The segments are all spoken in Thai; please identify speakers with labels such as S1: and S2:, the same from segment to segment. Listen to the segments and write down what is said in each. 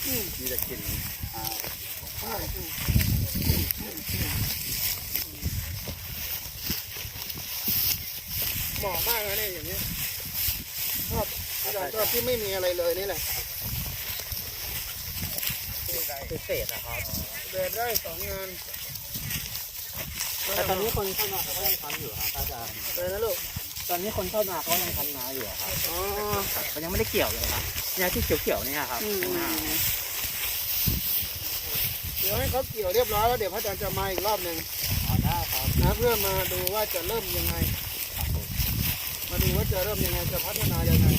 S1: มีแต่กลิ่น
S2: เหมาะมากนะเนี่ยอย่างนี้ชอบอาจารย์ชอบที่ไม่มีอะไรเลยนี่แหละ
S1: พิเศษนะครับ
S2: เดินได้2 งาน
S1: แต่ตอนนี้คนเข้ามาเขาก็ยังทำอยู่ครับอาจารย์
S2: เลยนะลูก
S1: ตอนนี้คนเข้ามาเขายังทำนาอยู่ครับ
S2: อ๋อ
S1: มันยังไม่ได้เกี่ยวเลยครับเนี่ยที่เขียวๆเนี่ยครับ
S2: เดี๋ยวให้เขาเกี่ยวเรียบร้อยแล้วเดี๋ยวพระอาจารย์จะมาอีกรอบหนึ่ง
S1: ได้ครับ
S2: นะเพื่อมาดูว่าจะเริ่มยังไงมาดูว่าจะเริ่มยังไงจะพัฒนายังไง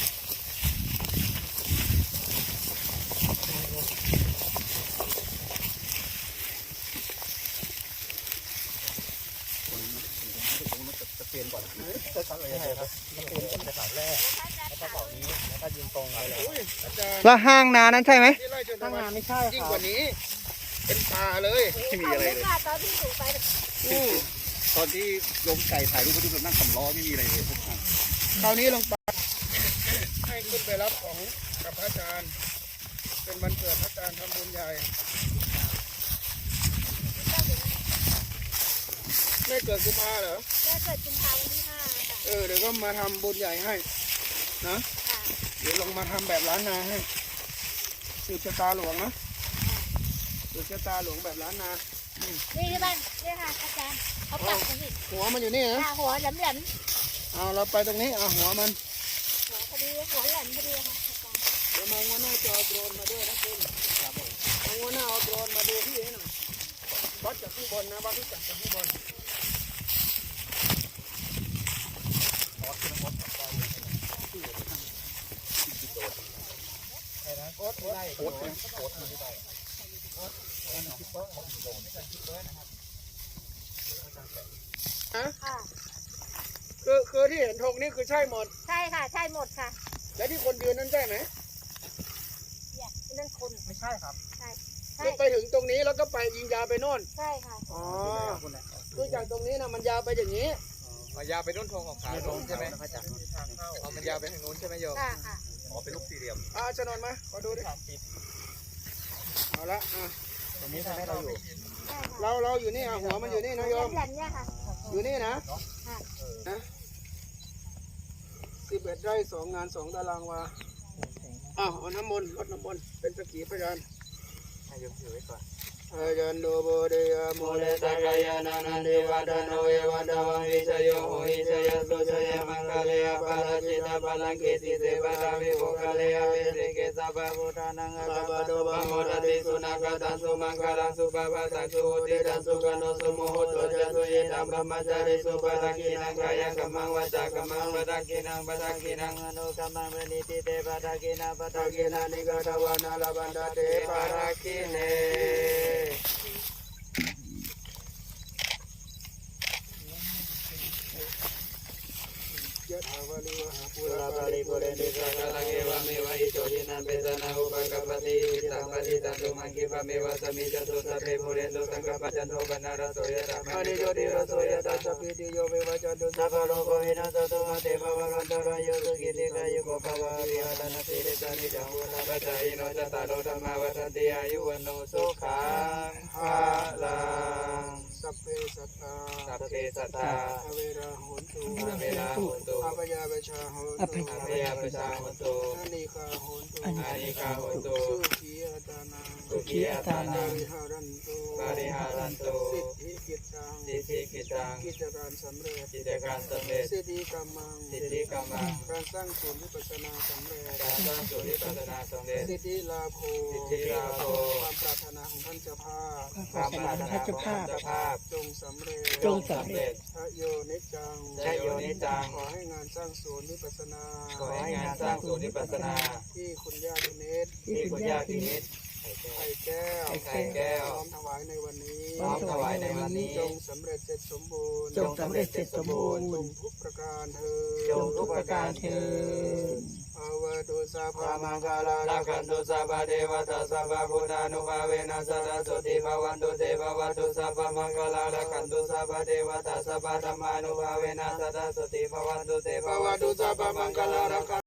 S1: จะเปลี่ยนก่อนจะทำอะไรครับจะเปลี่ยนก่อนจะสาวแรกแล้วก็เสานี้แล้วก็ยิงตรงไปเลย
S2: อาจารย์
S3: แล้วห้างนานั้นใช่ไหม
S2: ที่ไร่เชิญ
S1: ตั้งงานไม่ใช่
S2: ยิ่ง
S1: ค
S2: ก
S1: รับ
S2: ว่านี้เป็นป่าเลยไม่มีอะไรเลย
S4: ตอนที่หนูไป
S1: ตอนที่ลงไก่ถ่ายรูปไปดูแบบนั่งสำล้อไม่มีอะไรเลย
S2: คราวนี้ลงไปให้ขึ้นไปรับของกับพระอาจารย์เป็นวันเกิดพระอาจารย์ทำบุญใหญ่ไม่เกิดกุมภาเหรอ
S4: แม่เกิดกุมภาพันธ์ที่5 ค่ะ
S2: เดี๋ยวก็มาทำบุญใหญ่ให้นะ
S4: ค่ะ
S2: เดี๋ยวลงมาทำแบบล้านนาให้สืบชะตาหลวงนะสืบชะตาหลวงแบบล้านนา
S4: นี่ที่บ้านนี่ค่ะอาจารย์เขาปักตรงนี้
S2: หัวมันอยู่นี่นะ
S4: หัวแหลม
S2: เอาเราไปตรงนี้เอาหัวมัน
S4: หัวพอดีหัวแหลมพอดีค่ะอาจารย์
S2: เดี๋ยวมาวันหน้าจะเอาโดรนมาด้วยนะคุณเอาวันหน้าเอาโดรนมาดูที่ให้หน่อยวัดจากข้างบนนะวัดที่จัดจากข้างบนโอ๊ตได้โอ๊ตนะโอ๊ตไม่ได้ฮะ
S4: ค่ะ
S2: คือที่เห็นธงนี่คือใช่หมด
S4: ใช่ค่ะใช่หมดค่ะ
S2: และที่คนยืนนั่นใช่ไหม
S4: เนี่ยนั่นคน
S1: ไม่ใช่ครับ
S4: ใช่
S2: คือไปถึงตรงนี้แล้วก็ไปยิงยาวไปโน่น
S4: ใช่ค่ะ
S2: อ๋อคือจากตรงนี้นะมันยาวไปอย่างนี้
S5: ยาวไปต้นธงของขาโน้นใช่ไหมเอามันยาวไปทางโน้นใช่ไหมโยม
S4: ค่ะค่ะ
S5: อ๋อเป็นลูกสี่เหลี่ยม
S2: ชนนมาขอดูดิเอาละ
S1: ตรงนี้ทำให้เราอยู่
S4: ใช่ค่ะ
S2: เราอยู่นี่หัวมันอยู่นี่นะโยม
S4: แหลมเนี่ยค่ะ
S2: อยู่นี่นะ
S4: ค่ะ
S2: นะ11 ไร่ 2 งาน 2 ตารางวาเอาน้ำมนต์รดน้ำมนต์เป็นสักขีพยาน
S1: ให้ยกถือไว้ก่อน
S2: อายันโดโบเดียโมเลตากายานานันเดวะดาโนเอวะดาวังวิชโยโหหิชยสุชยมังคเลยปาราชิตาปาลังเกติเสปาราวิโภคเลยเวเสเกสะบะพุทธานังอะบะโดบะโมรติสุนักตันสุมังคลังสุปะปะสังสุติตันสุกโนสุโมโหตุจะสุเยตัมบมจาริสุปะทักขินังกายกัมมังวจากัมมังปะทักขินังปะทักขินังอนุกัมมังปณิติเตปะทักขินังปะทักขินังนิกตวานาลบันดาเตปะทักขิเนยะถาวาลิวหาปุราปาริปุเรนติสากะลังเอวะเมวะอิโตทินังเปตนาอุปกัปปติอิตังปฏิตังตุมังคิปะเมวะสมิจตุสัพเพปุเรนตุสังกปะจันโทปนะระโสยะธรรมณิโยติระโสยะตัสสะปิติโยเววะจันตุสัพพะโลกวินัสตุมาเตภวะกันตระโยสุขิติกายุโกภวะวิหารณสีริสานิจังวุฒาปัจจายโนจัตตารโอธรรมาวัฏฏติอายุวโนสุขังภาลังสัพเพสัตตา
S5: สัพเพสัตตา
S2: อเวราโหนตุ
S5: อเวลาโหนตุ
S2: อภยาเวชาโหนตุ
S5: อภยาปชาโหนตุ
S2: อานิกาโหนตุ
S5: อานิกาโหนตุ
S2: สุขีอัตานัง
S5: สุขีอัตตานัง
S2: ปริหารันตุ
S5: ปาริหารันตุ
S2: สิทธิกิจตัง
S5: สิทธิกิจตัง
S2: กิจการสำเร็จ
S5: กิจการสำเร็จ
S2: สิทธิกรรมัง
S5: สิทธิกรรมัง
S2: การสร้างศูนย์วิปัสสนาสำเร็จ
S5: การสร้างสุริปัสสนาสำเร็จ
S2: สิทธิลาภ
S5: สิทธิลาภ
S2: ความปรารถนาของท่านเจ้าภาพ
S5: ความปรารถนาของท่านเจ้าภาพ
S2: จงสำเร็จ
S5: จงสำเร็จ
S2: พระโยนิจจัง
S5: ชโยนิจัง
S2: ขอให้งานสร้างศูนย์วิปัสสนา
S5: ขอให้งานสร้างศูนย์วิปัสสนา
S2: ที่คุณย่าพิเนศ
S5: ที่คุณย่าพินิจ
S2: ไข่แก้ว
S5: ไข่แก้ว
S2: พร้อมถวายในวันนี้
S5: พร้อมถวายในวันนี้
S2: จงสำเร็จเสร็จสมบูรณ์
S1: จงสำเร็จเสร็จสมบูรณ์
S2: จงทุกประการเธอ
S5: จงทุกประการเถิด
S2: ภาวะตุสาภามังคาลา
S5: ลาคันตุสัพพะเทวตาสัพพะพุทธานุภาเวนัสสะสติภวันตุเตภวัตุสัพพะมังคลาลาคันตุสัพพะเทวตาสัพพะธรรมานุภาเวนัสสะสติภวันตุเตภวัตุสัพพะมังคลาลาคัน